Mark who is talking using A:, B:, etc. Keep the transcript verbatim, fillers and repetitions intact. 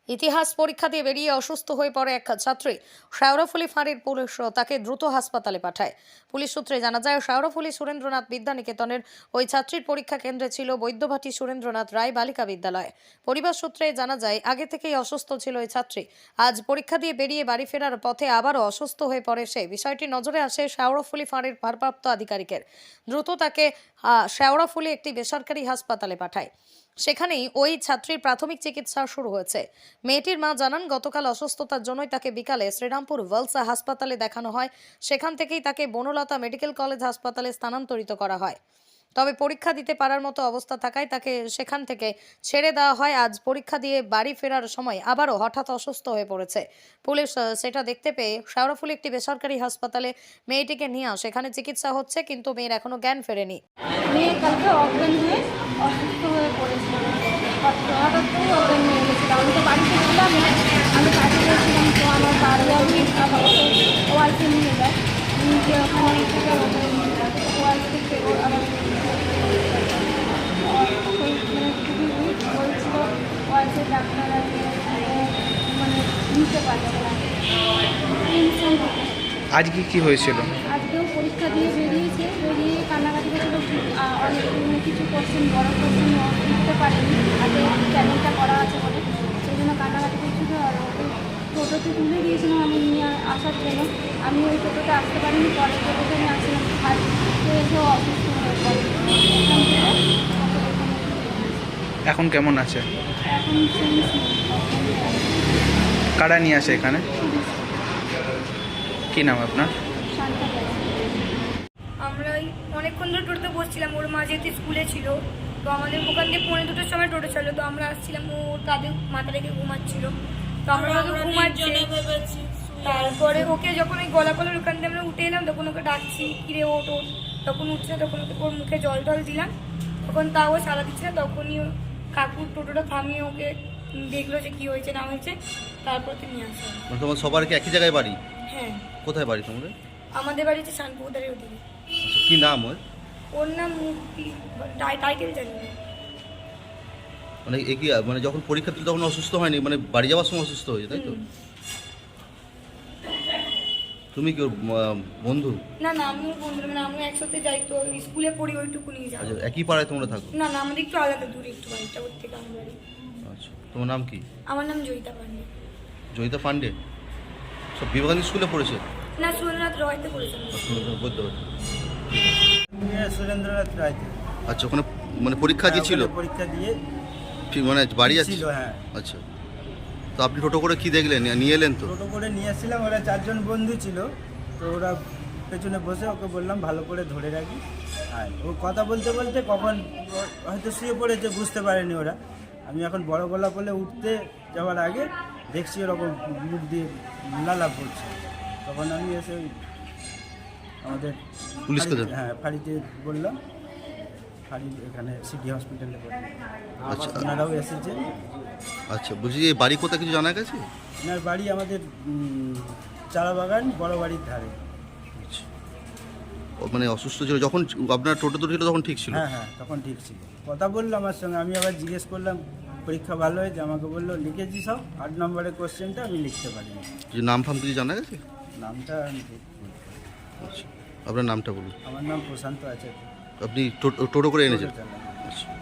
A: ইতিহাস পরীক্ষা দিয়ে বেরিয়ে অসুস্থ হয়ে পড়ে এক ছাত্রী। শেওড়াফুলি ফাঁড়ির পুলিশ তাকে দ্রুত হাসপাতালে পাঠায়। পুলিশ সূত্রে জানা যায়, শেওড়াফুলি সুরেন্দ্রনাথ বিদ্যানিকেতনের ওই ছাত্রীর পরীক্ষা কেন্দ্রে ছিল বৈদ্যভাটি সুরেন্দ্রনাথ রায় বালিকা বিদ্যালয়। পরিবার সূত্রে জানা যায়, আগে থেকেই অসুস্থ ছিল ওই ছাত্রী। আজ পরীক্ষা দিয়ে বেরিয়ে বাড়ি ফেরার পথে আবারও অসুস্থ হয়ে পড়ে সে। বিষয়টি নজরে আসে শেওড়াফুলি ফাঁড়ির ভারপ্রাপ্ত আধিকারিকের। দ্রুত তাকে শেওড়াফুলি একটি বেসরকারি হাসপাতালে পাঠায়। সেখানেই ওই ছাত্রীর প্রাথমিক চিকিৎসা শুরু হয়েছে। মেয়েটির মা জানান, গতকাল অসুস্থতার জন্যই তাকে বিকালে শ্রীরামপুর ওয়েলস হাসপাতালে দেখানো হয়। সেখান থেকেই তাকে বনলতা মেডিকেল কলেজ হাসপাতালে স্থানান্তরিত করা হয়। তবে পরীক্ষা দিতে পারার মতো অবস্থা থাকায় তাকে সেখান থেকে ছেড়ে দেওয়া হয়। আজ পরীক্ষা দিয়ে বাড়ি ফেরার সময় আবারও হঠাৎ অসুস্থ হয়ে পড়েছে। পুলিশ সেটা দেখতে পেয়ে শেওড়াফুলি একটি বেসরকারি হাসপাতালে মেয়েটিকে নিয়ে আসে। সেখানে চিকিৎসা হচ্ছে, কিন্তু মেয়ের এখনো জ্ঞান ফেরেনি।
B: মেয়ে কালকে অজ্ঞান হয়ে অসুস্থ হয়ে পড়েছিল, হঠাৎ করে অজ্ঞান হয়ে গেছিল। আমি তো বাড়িতে ছিলাম না, আমি কাজে গেছিলাম। তো আমার বাড়ি আমি ওয়াইফে নিয়ে যায়, নিজে ওখানে থেকে ওয়াইফ থেকে আবার মানে খুবই উইক বলছিল। ওয়াইফের ডাক্তার মানে নিতে পারছে না।
C: আজকে কি হয়েছিল?
B: আজকেও পরীক্ষা দিয়ে বেরিয়েছে, বেরিয়ে কান্নাকাটি করেছিল। অনেক কিছু কোশ্চেন, বড় কোশ্চেন লিখতে পারেনি, আগে চ্যানেলটা করা আছে বলে, সেই জন্য কান্নাকাটি করছিল। আর ওকে টোটোতে তুলে দিয়েছিলাম আমি নিয়ে আসার জন্য। আমি ওই টোটোতে আসতে পারিনি, পরে টোটোতে আমি আসলাম। তো এসেও অসুস্থ হয়ে পড়ে।
C: এখন কেমন আছে?
B: এখন সেন্স নেই।
C: কারা নিয়ে আসে এখানে? কি নাম আপনার?
B: শান্তা পাই।
D: আমরা ওই অনেকক্ষণ ধরে টোটোতে বসছিলাম। ওর মা যেহেতু স্কুলে ছিল, তো আমাদের ওখান থেকে পৌনে দুটোর সময় টোটো চলো। তো আমরা আসছিলাম, ও তাদের মাথা রেখে ঘুমাচ্ছিল। তো আমরা ওকে ঘুমাচ্ছি, তারপরে ওকে যখন ওই গলা কলার ওখান থেকে আমরা উঠে এলাম, তখন ওকে ডাকছি, কিরে ওঠ ওঠ। তখন উঠছে, তখন ওকে ওর মুখে জল টল দিলাম। তখন তাও সারা দিচ্ছে না। তখনই কাকুর টোটোটা থামিয়ে ওকে দেখলো যে কি হয়েছে না হয়েছে, তারপর তো নিয়ে আসলাম।
E: মানে তোমার সবার কি একই জায়গায় বাড়ি?
D: হ্যাঁ,
E: কোথায় বাড়ি তোমাদের?
D: আমাদের বাড়িতে শানপুকুদারের ওদিকে।
E: আচ্ছা, কি নাম ওর?
D: ওর নাম মুক্তি, টাইটেল জানি না।
E: মানে এ কি মানে যখন পরীক্ষা দিল তখন অসুস্থ হয়নি, মানে বাড়ি যাওয়ার সময় অসুস্থ হয়েছে, তাই তো? তুমি কি ওর আহ, বন্ধু?
D: না না, আমি ওর বন্ধু, মানে আমরা একসাথে যাই, তো স্কুলে পড়ি, ওইটুকু নিয়ে যাই।
E: আচ্ছা, একই পাড়ায় তোমরা থাকো?
D: না না, আমাদের একটু আলাদা দূরে, একটু বাড়িটা ওর থেকে আমার বাড়ি।
E: আচ্ছা, তোমার নাম কি?
D: আমার নাম জয়িতা পান্ডে।
E: জয়িতা পান্ডে? সব বিবেকানন্দ স্কুলে পড়েছে?
D: না, সুরেন্দ্রনাথ রয়তে করেছেন।
E: বলতে পারছি।
F: সুরেন্দ্রনাথ রায়।
E: আচ্ছা, ওখানে মানে পরীক্ষা দিয়েছিল?
F: পরীক্ষা দিয়ে
E: ঠিক, মানে বাড়ি যাচ্ছে?
F: ছিল, হ্যাঁ।
E: আচ্ছা, তো আপনি টোটো করে কি দেখলেন, নিয়ে এলেন? তো
F: টোটো করে নিয়ে আসছিলাম, ওরা চারজন বন্ধু ছিল। তো ওরা পেছনে বসে, ওকে বললাম ভালো করে ধরে রাখি। আর ও কথা বলতে বলতে কখন হয়তো শুয়ে পড়েছে, বুঝতে পারেনি ওরা। আমি এখন বড় গলা বলে উঠতে যাওয়ার আগে দেখছি ওরকম মুখ দিয়ে লালা পড়ছে। তখন আমি এসে ওই আমাদের
E: পুলিশকে
F: ফাঁড়িতে- হ্যাঁ ফাঁড়িতে বললাম, ফাঁড়ি এখানে সিটি হসপিটালে বললাম।
E: আচ্ছা
F: ওনারাও এসেছে।
E: আচ্ছা, বলছি যে বাড়ি কোথায় কিছু জানা গেছে?
F: ওনার বাড়ি আমাদের উম, চারা বাগান, বড় বাড়ির ধারে।
E: আচ্ছা, ও মানে অসুস্থ ছিল যখন আপনার টোটো তো ছিল তখন ঠিক ছিল?
F: হ্যাঁ হ্যাঁ, তখন ঠিক ছিল, কথা বললো আমার সঙ্গে। আমি আবার জিজ্ঞেস করলাম পরীক্ষা ভালো হয়েছে, আমাকে বললো লিখেছি সব, আট নম্বরের কোশ্চেনটা আমি লিখতে পারিনি।
E: যে নাম ফাম কিছু জানা গেছে?
F: নামটা আমি ঠিক বলতে পারি না।
E: আচ্ছা, আপনার নামটা বলুন।
F: আমার নাম প্রশান্ত আছে।
E: আপনি টোটো টোটো করে এনেছেন?
F: টোটো চালান।
E: আচ্ছা।